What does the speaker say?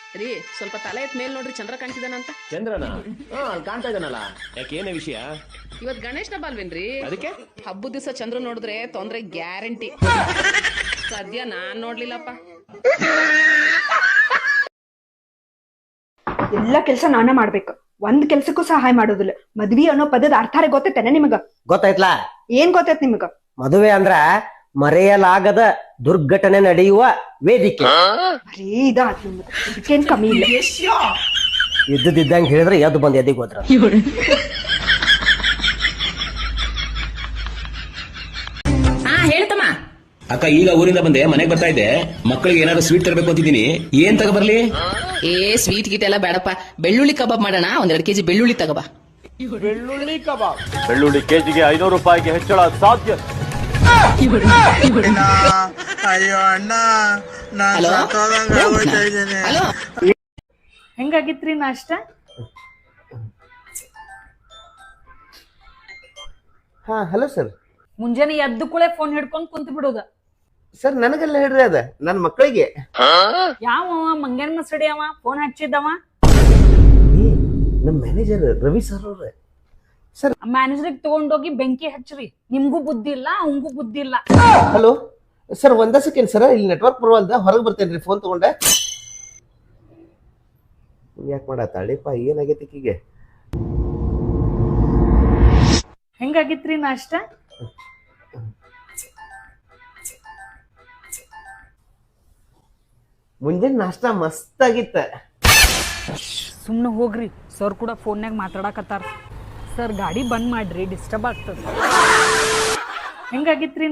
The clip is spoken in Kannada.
ರೀ ಸ್ವಲ್ಪ ತಲೆ ಎತ್ ಮೇಲ್ ನೋಡ್ರಿ ಚಂದ್ರ ಕಾಣ್ತಿದಾನಂತ. ಚಂದ್ರನ ಅಲ್ಲಿ ಕಾಣ್ತಾ ಇದ್ದಾನಲ್ಲ, ಯಾಕೆ ಏನೇ ವಿಷಯ? ಇವತ್ ಗಣೇಶನ ಹಬ್ಬ ಅಲ್ವೇನ್ರಿ? ಅದಕ್ಕೆ ಹಬ್ಬದ ದಿವಸ ಚಂದ್ರ ನೋಡಿದ್ರೆ ತೊಂದ್ರೆ ಗ್ಯಾರಂಟಿ. ಸದ್ಯ ನಾನ್ ನೋಡ್ಲಿಲ್ಲಪ್ಪ. ಎಲ್ಲ ಕೆಲಸ ನಾನ ಮಾಡ್ಬೇಕು, ಒಂದ್ ಕೆಲ್ಸಕ್ಕೂ ಸಹಾಯ ಮಾಡೋದಿಲ್ಲ. ಮದ್ವಿ ಅನ್ನೋ ಪದದ ಅರ್ಥಾರೆ ಗೊತ್ತೈತೇನೆ ನಿಮಗ? ಗೊತ್ತಾಯ್ತಲ್ಲ? ಏನ್ ಗೊತ್ತೈತ್ ನಿಮಗ? ಮದುವೆ ಅಂದ್ರ ಮರೆಯಲಾಗದ ದುರ್ಘಟನೆ ನಡೆಯುವ ವೇದಿಕೆ. ಬರೀ ಇದಾತ್ ನಿಮ್ದು, ಇದಕ್ಕೇನ್ ಕಮ್ಮಿ ಇಲ್ಲ. ಇದ್ದಂಗೆ ಹೇಳಿದ್ರೆ ಎದ್ದು ಬಂದ್ ಎದಿಗೆ ಹೋದ್ರ. ಹೇಳ್ತಮ್ಮ. ಅಕ್ಕ ಈಗ ಊರಿಂದ ಬಂದೆ, ಮನೆಗೆ ಬರ್ತಾ ಇದ್ದೆ. ಮಕ್ಕಳಿಗೆ ಏನಾದ್ರು ಸ್ವೀಟ್ ತರಬೇಕು ಅಂತಿದ್ದೀನಿ, ಏನ್ ತಗೋಬರ್ಲಿ? ಸ್ವೀಟ್ ಗೀಟ್ ಎಲ್ಲ ಬೇಡಪ್ಪ, ಬೆಳ್ಳುಳ್ಳಿ ಕಬಾಬ್ ಮಾಡೋಣ. 1-2 ಕೆಜಿ ಬೆಳ್ಳುಳ್ಳಿ ತಗೋಬಾ. ಬೆಳ್ಳುಳ್ಳಿ ಕಬಾಬ್? ಬೆಳ್ಳುಳ್ಳಿ ಕೆಜಿಗೆ 500 ರೂಪಾಯಿಗೆ ಹೆಚ್ಚಳ ಸಾಧ್ಯ. ಅಯ್ಯೋ ಅಣ್ಣ, ಹಲೋ, ಹೆಂಗಾಗಿತ್ರಿ ನಾಷ್ಟ? ಹಾ ಹಲೋ ಸರ್. ಮುಂಜಾನೆ ಎದ್ದು ಕೂಳೆ ಫೋನ್ ಹಿಡ್ಕೊಂಡ್ ಕುಂತ ಬಿಡೋದ. ಸರ್ ನನಗೆಲ್ಲ ಹೇಳ್ರಿ ಅದ, ನನ್ನ ಮಕ್ಕಳಿಗೆ. ಯಾವ ಮಂಗ್ಯಾನ ಮಸಡಿ ಅವ ಫೋನ್ ಹಚ್ಚಿದ್ದವ? ನಮ್ಮ ಮ್ಯಾನೇಜರ್ ರವಿ ಸರ್ ಅವ್ರೆ. ಸರ್ ಮ್ಯಾನೇಜರ್ಗೆ ತಗೊಂಡೋಗಿ ಬೆಂಕಿ ಹಚ್ಚ್ರಿ. ನಿಮ್ಗೂ ಬುದ್ಧಿ ಇಲ್ಲ, ಅವಂಗೂ ಬುದ್ಧಿ ಇಲ್ಲ. ಹಲೋ ಸರ್, ಒಂದ ಸೆಕೆಂಡ್ ಸರ್, ಇಲ್ಲಿ ನೆಟ್ವರ್ಕ್ ಬರುವಲ್ದ, ಹೊರಗೆ ಬರ್ತೇನ್ರಿ, ಫೋನ್ ತಗೊಂಡೆ. ಯಾಕೆ ಮಾಡತ್ತಾಳಿಪ್ಪ, ಏನಾಗೈತಿ ಈಕಿಗೆ? ಹೆಂಗಾಗಿತ್ರಿ ನಾಷ್ಟ? ಮುಂಜಾನೆ ನಾಷ್ಟ ಮಸ್ತ್ ಆಗಿತ್ತ. ಸುಮ್ನೆ ಹೋಗ್ರಿ, ಸರ್ ಕೂಡ ಫೋನ್ಯಾಗ ಮಾತಾಡಕತ್ತಾರ. ಸರ್ ಗಾಡಿ ಬಂದ್ ಮಾಡ್ರಿ, ಡಿಸ್ಟರ್ಬ್ ಆಗ್ತದ. ಹೆಂಗಾಗಿತ್ರಿ